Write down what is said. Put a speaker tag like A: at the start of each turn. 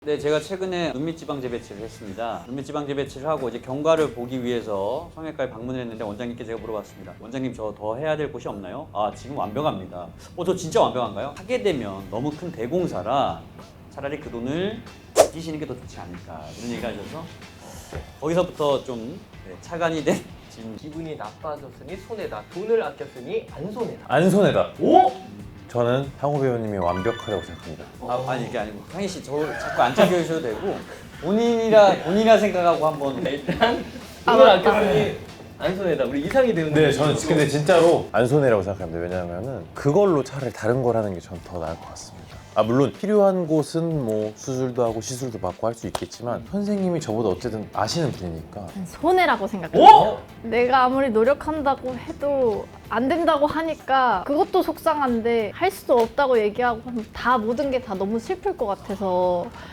A: 네, 제가 최근에 눈밑 지방 재배치를 했습니다. 눈밑 지방 재배치를 하고 이제 경과를 보기 위해서 성형외과에 방문을 했는데 원장님께 제가 물어봤습니다. 원장님 저 더 해야 될 곳이 없나요? 아, 지금 완벽합니다. 저 진짜 완벽한가요? 하게 되면 너무 큰 대공사라 차라리 그 돈을 아끼시는 게 더 좋지 않을까 이런 얘기 하셔서 거기서부터 좀 차관이 된 지금
B: 기분이 나빠졌으니 손해다. 돈을 아꼈으니 안 손해다.
C: 안 손해다.
B: 오?
C: 저는 상호 배우님이 완벽하다고 생각합니다.
A: 아니 이게 아니고 상희 씨 저 자꾸 안 챙겨주셔도 되고 본인이라 생각하고 한번
B: 일단 돈을 아꼈으니 안 손해다. 우리 이상이 되는
C: 네, 저는 근데 진짜로 안 손해라고 생각합니다. 왜냐하면은 그걸로 차라리 다른 걸 하는 게 전 더 나을 것 같습니다. 아, 물론 필요한 곳은 뭐 수술도 하고 시술도 받고 할 수 있겠지만 선생님이 저보다 어쨌든 아시는 분이니까
D: 손해라고 생각해요.
B: 오?
D: 내가 아무리 노력한다고 해도 안 된다고 하니까 그것도 속상한데 할 수 없다고 얘기하고 하면 다 모든 게 다 너무 슬플 것 같아서